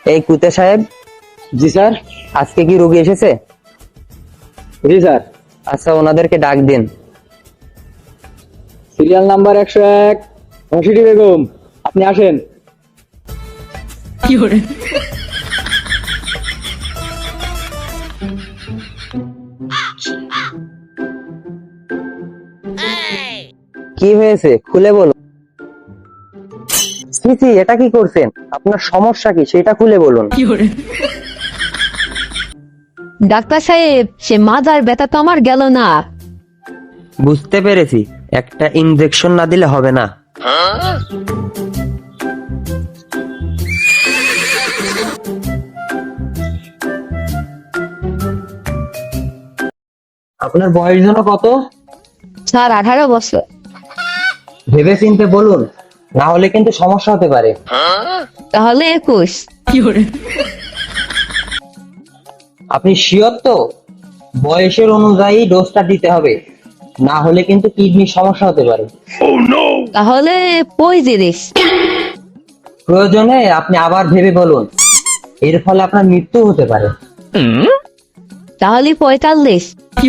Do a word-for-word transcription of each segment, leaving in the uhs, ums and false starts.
এই কুতে সাহেব। জি স্যার। আজকে কি রোগী এসেছে? জি স্যার। আচ্ছা, ওনাদেরকে ডাক দিন। সিরিয়াল নাম্বার একশো এক অংশিটি বেগম, আপনি আসেন। কি হয়েছে খুলে বলুন। ছি ছি, এটা কি করছেন? আপনার সমস্যা কি সেটা খুলে বলুন। ডাক্তার সাহেব, সে মাজার ব্যথা তো আমার গেল না। বুঝতে পেরেছি, একটা ইনজেকশন না দিলে হবে না। আপনার বয়স যেন কত? স্যার, আঠারো বছর। ভেবে চিনতে বলুন, না হলে কিন্তু সমস্যা হতে পারে। তাহলে একুশ। আপনি শিওর তো? বয়সের অনুযায়ী ডোজটা দিতে হবে, না হলে কিন্তু কিডনির সমস্যা হতে পারে। তাহলে পঁয়ত্রিশ। প্রয়োজনে আপনি আবার ভেবে বলুন, এর ফলে আপনার মৃত্যু হতে পারে। তাহলে পঁয়তাল্লিশ।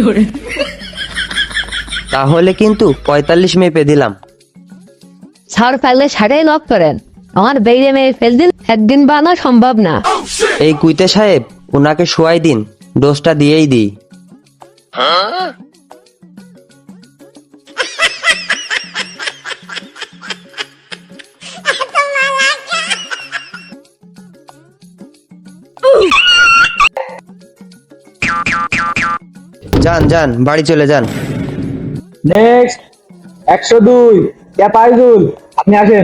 তাহলে কিন্তু পঁয়তাল্লিশ মেপে দিলাম। স্যার, পারলে ষাটাই লক করেন। আমার বেড়ে মেয়ে ফেল দিন একদিন বানা সম্ভব না। এই কুইতে সাহেব, উনাকে শোয়াই দিন, ডোজটা দিয়েই দিই। যান যান, বাড়ি চলে যান। নেক্সট একশো দুই ক্যাপাইজুল, আপনি আসেন।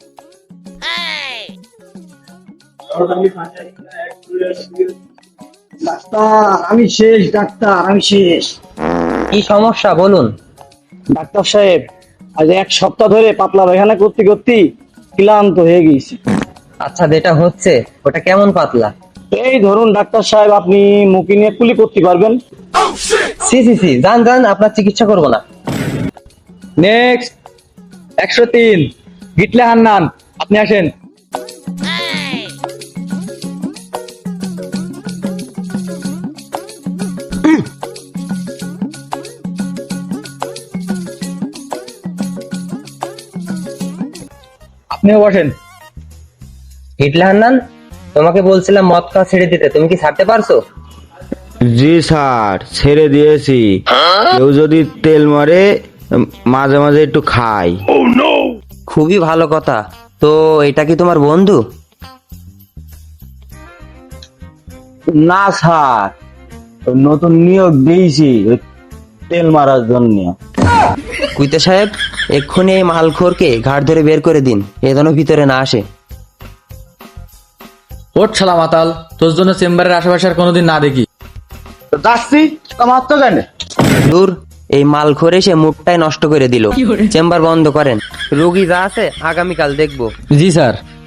ডাক্তার আমি শেষ, ডাক্তার আমি শেষ। কি সমস্যা বলুন। ডাক্তার সাহেব, আজ এক সপ্তাহ ধরে পাতলা পায়খানা করতে করতে ক্লান্ত হয়ে গেছি। আচ্ছা, যেটা হচ্ছে ওটা কেমন পাতলা? এই ধরুন ডাক্তার সাহেব, আপনি মুখে নিয়ে কুলি করতে পারবেন? সি সি সি, যান যান, আপনার চিকিৎসা করবো না। নেক্সট একশো তিন গিটলে হান্নান, আপনি আসেন। আপনিও বসেন। হিটলে হান্নান, তোমাকে বলছিলাম মদ খাওয়া ছেড়ে দিতে, তুমি কি ছাড়তে পারছো? জি স্যার, ছেড়ে দিয়েছি। কেউ যদি তেল মারে মাঝে মাঝে একটু খাই। খুবই ভালো কথা। তো এটা কি তোমার বন্ধু? না স্যার, নতুন নিয়োগ দিয়েছি ওই তেল মারার জন্য। কুইতে সাহেব, এক্ষুনি এই মালখোরকে ঘাট ধরে বের করে দিন, এ যেন ভিতরে না আসে। ওঠ শালা মাতাল, তোর জন্য চেম্বারের আশেপাশে আর কোনোদিন না দেখি। যাচ্ছি, আমার তো কেন? দূর, এই মালখোর এসে মুখটাই নষ্ট করে দিল। চেম্বার বন্ধ করেন, রোগী যা আছে আগামীকাল দেখবো। জি স্যার।